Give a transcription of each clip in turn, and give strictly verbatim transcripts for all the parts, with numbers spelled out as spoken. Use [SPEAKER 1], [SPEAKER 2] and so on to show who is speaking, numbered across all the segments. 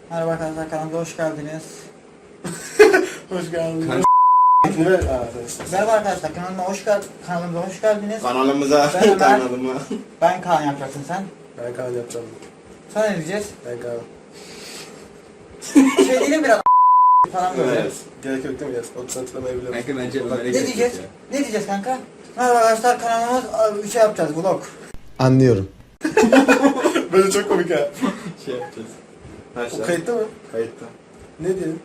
[SPEAKER 1] Merhaba arkadaşlar, kanalımıza hoş geldiniz.
[SPEAKER 2] Hoş geldiniz.
[SPEAKER 3] Kan-
[SPEAKER 1] Merhaba arkadaşlar, kanalıma hoş gel kanalımıza hoş geldiniz.
[SPEAKER 3] Kanalımıza,
[SPEAKER 1] Ben Ömer.
[SPEAKER 3] kanalıma.
[SPEAKER 1] Ben Kaan yapacaksın sen.
[SPEAKER 2] Ben Kaan yapacağım.
[SPEAKER 1] Sonra ne diyeceğiz?
[SPEAKER 2] Ben Kaan.
[SPEAKER 1] Şey diyelim biraz falan böyle.
[SPEAKER 3] Evet.
[SPEAKER 2] Gerek yok değil mi? Yes. otuz hatırlamayabilirim.
[SPEAKER 3] Kanka bence Ömer'e
[SPEAKER 1] Ne
[SPEAKER 3] gerek
[SPEAKER 1] diyeceğiz?
[SPEAKER 3] yok ya.
[SPEAKER 1] Ne diyeceğiz kanka? Merhaba arkadaşlar, kanalımız bir şey yapacağız, vlog.
[SPEAKER 4] Anlıyorum.
[SPEAKER 2] Böyle çok komik ha.
[SPEAKER 3] Şey yapacağız.
[SPEAKER 2] O
[SPEAKER 3] Başla.
[SPEAKER 2] kayıtta mı?
[SPEAKER 3] Kayıtta.
[SPEAKER 2] Ne diyelim?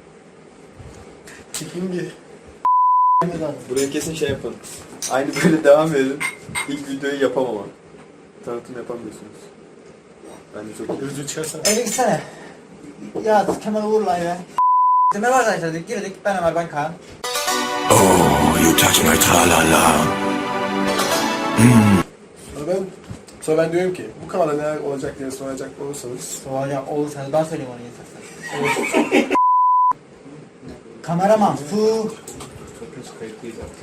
[SPEAKER 2] Çikingi.
[SPEAKER 3] Buraya kesin şey yapın. Aynı böyle devam edin. İlk videoyu yapamama. Tanıtım yapamıyorsunuz. Ben de çok
[SPEAKER 2] Gözlüğü çıkarsana.
[SPEAKER 1] Eve gitsene. Ya Kemal Uğur'la eve. Merhaba arkadaşlar dedik, girdik. Ben Ömer, ben Kaan.
[SPEAKER 4] Oh, you touch my tra-la-la.
[SPEAKER 2] Sonra ben, sonra ben diyorum ki bu kanalda neler olacak diye soracak olursanız
[SPEAKER 1] Sonra olursanız ben söyleyeyim onu yetersen. Kameraman, su.
[SPEAKER 3] çok kötü kayıtlıyız artık.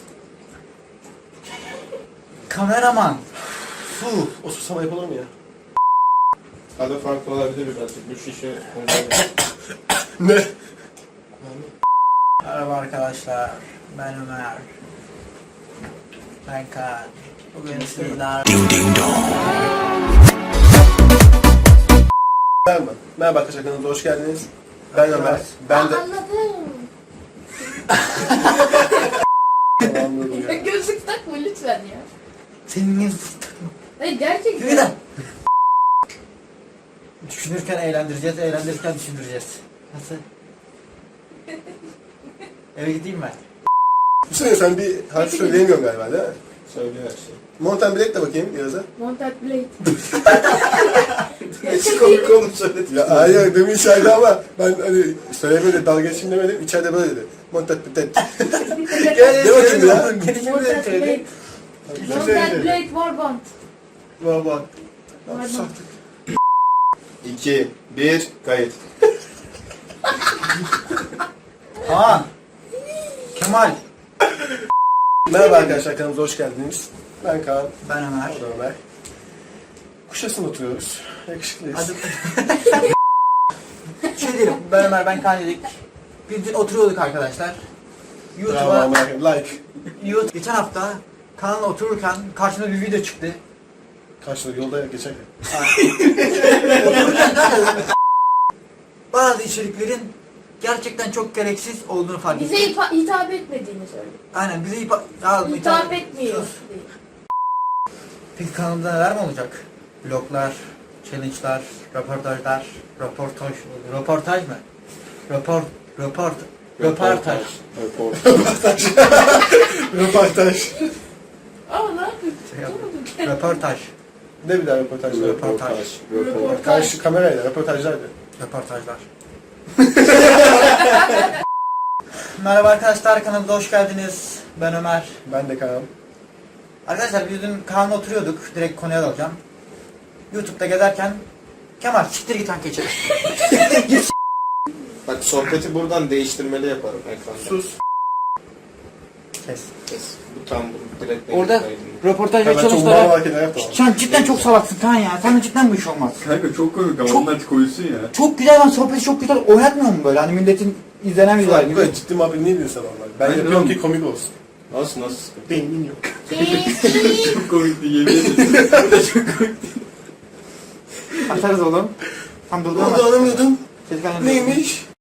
[SPEAKER 1] Kameraman, su.
[SPEAKER 2] o susama yapılır mı ya?
[SPEAKER 3] Adı farklı olabilir birazcık. Bu şişe koyacağım.
[SPEAKER 2] Ne?
[SPEAKER 1] Merhaba arkadaşlar, ben Ömer. Ben Kaan. Bugün sizler...
[SPEAKER 4] Ding ding dong.
[SPEAKER 2] Merhaba. Merhaba arkadaşlar, kanalımıza hoş geldiniz. Ben Ömer. Ben de...
[SPEAKER 5] Anladım.
[SPEAKER 2] Anladım ya.
[SPEAKER 5] Gözlük takma lütfen ya.
[SPEAKER 1] Senin...
[SPEAKER 5] Hayır gerçekten.
[SPEAKER 1] Yürü lan! Düşünürken eğlendireceğiz, eğlendirirken düşündüreceğiz. Nasıl? Eve gideyim ben.
[SPEAKER 2] Bu sene sen bir harf söyleyemiyorsun galiba değil mi?
[SPEAKER 3] Söyle her şey.
[SPEAKER 2] Mountain Black de bakayım Yağız'a.
[SPEAKER 5] Montat Blade.
[SPEAKER 3] Hiç komik olmuş söyledi.
[SPEAKER 2] Ya hayır demin içeride ama ben hani söylemedi, dalga geçeyim demedim. İçeride böyle dedi. Mountain Black.
[SPEAKER 1] Gel
[SPEAKER 2] Ne bakayım ya?
[SPEAKER 1] Gelişimi de
[SPEAKER 5] Montat
[SPEAKER 1] söyledi.
[SPEAKER 5] Blade. Montat Blade Warband.
[SPEAKER 1] Bak bak.
[SPEAKER 5] Warband.
[SPEAKER 3] iki, bir, kayıt.
[SPEAKER 1] Kaan. Kemal.
[SPEAKER 2] Merhaba arkadaşlar, kanalımıza hoş geldiniz. Ben Kaan.
[SPEAKER 1] Ben Ömer.
[SPEAKER 2] O da Ömer. Kuşadası'nda oturuyoruz. Yakışıklıyız.
[SPEAKER 1] Hadi. Şey diyelim, ben Ömer, ben Kaan dedik. Biz dün oturuyorduk arkadaşlar.
[SPEAKER 2] Bravo,
[SPEAKER 1] YouTube'a,
[SPEAKER 2] Ömer. Like.
[SPEAKER 1] YouTube, geçen hafta kanalda otururken karşıma bir video çıktı.
[SPEAKER 2] Karşıda yolda geçerken.
[SPEAKER 1] Otururken zaten bazı içeriklerin gerçekten çok gereksiz olduğunu fark ettim.
[SPEAKER 5] Bize hipa- hitap etmediğini söyle.
[SPEAKER 1] Aynen bize hipa... Ya,
[SPEAKER 5] Hitap etmiyor.
[SPEAKER 1] Sus. Peki kanalımızda neler mi olacak? Vloglar, challenge'lar, röportajlar, röportaj, röportaj mı? Röport, röport, röportaj.
[SPEAKER 3] Röportaj.
[SPEAKER 2] Röportaj.
[SPEAKER 5] Aa ne yapıyorsun?
[SPEAKER 1] Şey yap- Röportaj,
[SPEAKER 2] Ne bir daha röportaj?
[SPEAKER 1] Röportaj.
[SPEAKER 3] Röportaj.
[SPEAKER 2] Karşı kamerayla röportajlardı.
[SPEAKER 1] röportajlar. Merhaba arkadaşlar, kanalımıza hoş geldiniz. Ben Ömer.
[SPEAKER 2] Ben de Kaan.
[SPEAKER 1] Arkadaşlar biz dün Kaan'la oturuyorduk, direkt konuya dalacağım. YouTube'da gezerken Kemal siktir git anke içeri.
[SPEAKER 3] Bak sohbeti buradan değiştirmeli yaparım ekranda.
[SPEAKER 2] Sus.
[SPEAKER 1] Kes.
[SPEAKER 3] Kes. Bu tam bu direkt
[SPEAKER 1] Orada
[SPEAKER 3] kaydını.
[SPEAKER 1] röportaj
[SPEAKER 2] Ya
[SPEAKER 1] ve
[SPEAKER 2] ben çok mal
[SPEAKER 1] challenge'lara...
[SPEAKER 2] hareketler yaptım.
[SPEAKER 1] Sen cidden çok salaksın Kaan ya. Sana cidden bu iş olmaz.
[SPEAKER 6] Kanka çok komik ama
[SPEAKER 1] Çok-
[SPEAKER 6] onlar koyusun ya.
[SPEAKER 1] Çok güzel lan, sohbeti çok güzel oynatmıyor mu böyle? Hani milletin izlenen videolar
[SPEAKER 2] Bu
[SPEAKER 1] gibi.
[SPEAKER 2] kadar ciddi muhabbet niye diyorsun normal? Ben
[SPEAKER 6] Aynen
[SPEAKER 2] yapıyorum
[SPEAKER 6] oğlum.
[SPEAKER 2] ki komik olsun.
[SPEAKER 3] Nasıl nasıl?
[SPEAKER 2] Beynin yok.
[SPEAKER 6] Çok komikti yemin ederim. Bu da çok komikti.
[SPEAKER 1] Açarız oğlum. Tam durdurma.
[SPEAKER 2] Onu anlamıyordum.
[SPEAKER 1] Ses gelmedi.
[SPEAKER 2] Neymiş?